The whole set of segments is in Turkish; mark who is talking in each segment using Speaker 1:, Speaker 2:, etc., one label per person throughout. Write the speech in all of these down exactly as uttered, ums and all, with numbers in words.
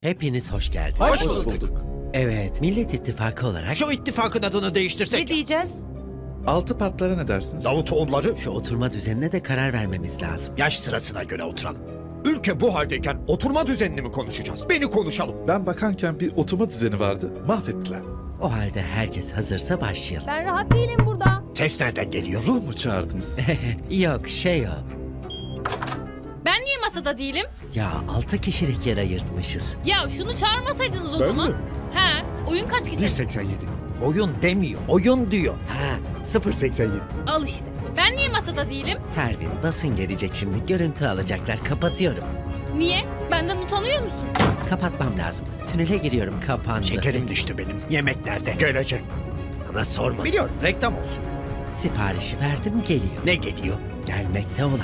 Speaker 1: Hepiniz hoş geldiniz.
Speaker 2: Hoş bulduk.
Speaker 1: Evet, Millet İttifakı olarak
Speaker 2: Şu ittifakın adını değiştirsek.
Speaker 3: Ne diyeceğiz?
Speaker 4: Altı patlara ne dersiniz?
Speaker 2: Davutoğulları
Speaker 1: şu oturma düzenine de karar vermemiz lazım.
Speaker 2: yaş sırasına göre oturalım. Ülke bu haldeyken oturma düzenini mi konuşacağız? Beni konuşalım.
Speaker 4: Ben bakanken bir oturma düzeni vardı, mahvettiler.
Speaker 1: O halde herkes hazırsa başlayalım.
Speaker 5: Ben rahat değilim burada.
Speaker 2: Ses nereden geliyor?
Speaker 4: Ruh mu çağırdınız?
Speaker 1: Yok, şey o.
Speaker 5: Ben niye masada değilim?
Speaker 1: Ya altı kişilik yer ayırtmışız.
Speaker 5: Ya şunu çağırmasaydınız o
Speaker 4: Ben
Speaker 5: zaman.
Speaker 4: mi?
Speaker 5: He, oyun kaç kişi?
Speaker 2: bir seksen yedi. Oyun demiyor, oyun diyor.
Speaker 1: Ha, sıfır seksen yedi.
Speaker 5: Al işte. Ben niye masada değilim?
Speaker 1: Pervin, basın gelecek şimdi. Görüntü alacaklar. Kapatıyorum.
Speaker 5: Niye? Benden utanıyor musun?
Speaker 1: Kapatmam lazım. Tünele giriyorum. Kapandı.
Speaker 2: Şekerim düştü benim. Yemek nerede? Gelecek.
Speaker 1: Bana sorma.
Speaker 2: Biliyorum, reklam olsun.
Speaker 1: Siparişi verdim, geliyor.
Speaker 2: Ne geliyor?
Speaker 1: Gelmekte olan.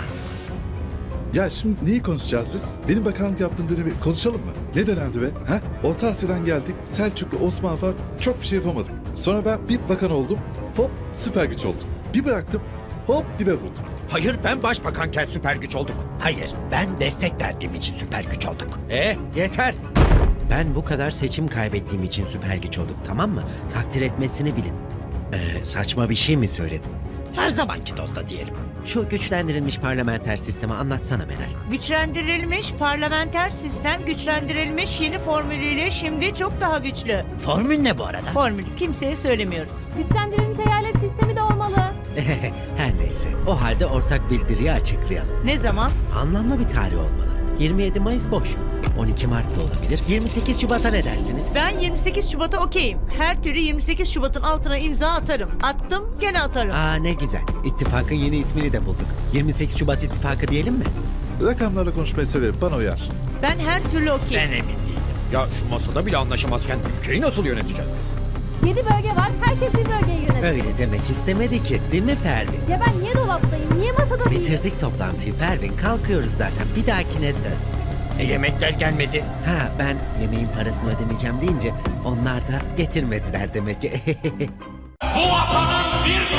Speaker 4: Ya şimdi neyi konuşacağız biz? Benim bakanlık yaptığım dönemi konuşalım mı? Ne dönemdi be? Ha? Orta Asya'dan geldik, Selçuklu, Osmanlı falan çok bir şey yapamadık. Sonra ben bir bakan oldum, hop süper güç oldum. Bir bıraktım, hop dibe vurdum.
Speaker 2: Hayır, ben başbakanken süper güç olduk. Hayır, ben destek verdiğim için süper güç olduk. Eh, yeter.
Speaker 1: Ben bu kadar seçim kaybettiğim için süper güç olduk, tamam mı? Takdir etmesini bilin. Ee, saçma bir şey mi söyledim?
Speaker 2: Her zamanki dozda diyelim.
Speaker 1: Şu güçlendirilmiş parlamenter sistemi anlatsana Meral.
Speaker 3: Güçlendirilmiş parlamenter sistem güçlendirilmiş yeni formülüyle şimdi çok daha güçlü.
Speaker 2: Formül ne bu arada?
Speaker 3: Formülü kimseye söylemiyoruz.
Speaker 5: Güçlendirilmiş eyalet sistemi de olmalı.
Speaker 1: Her neyse, o halde ortak bildiriyi açıklayalım.
Speaker 3: Ne zaman?
Speaker 1: Anlamlı bir tarih olmalı. yirmi yedi Mayıs boş. on iki Mart da olabilir. yirmi sekiz Şubat'a ne dersiniz?
Speaker 3: Ben yirmi sekiz Şubat'a okeyim. Her türlü yirmi sekiz Şubat'ın altına imza atarım. Attım, gene atarım.
Speaker 1: Aa ne güzel. İttifakın yeni ismini de bulduk. yirmi sekiz Şubat İttifakı diyelim mi?
Speaker 4: Rakamlarla konuşmayı severim, bana uyar.
Speaker 3: Ben her türlü okeyim.
Speaker 2: Ben emin değilim. Ya şu masada bile anlaşamazken ülkeyi nasıl yöneteceğiz biz?
Speaker 5: Yedi bölge var. Herkes bir bölgeyi yönetir.
Speaker 1: Öyle demek istemedi ki, değil mi Pervin?
Speaker 5: Ya ben niye dolaptayım? Niye masada değilim?
Speaker 1: Bitirdik toplantıyı Pervin. Kalkıyoruz zaten. Bir dahakine söz.
Speaker 2: E yemekler gelmedi.
Speaker 1: Ha ben yemeğin parasını ödemeyeceğim deyince onlar da getirmediler demek ki.
Speaker 6: Bu vatanın bir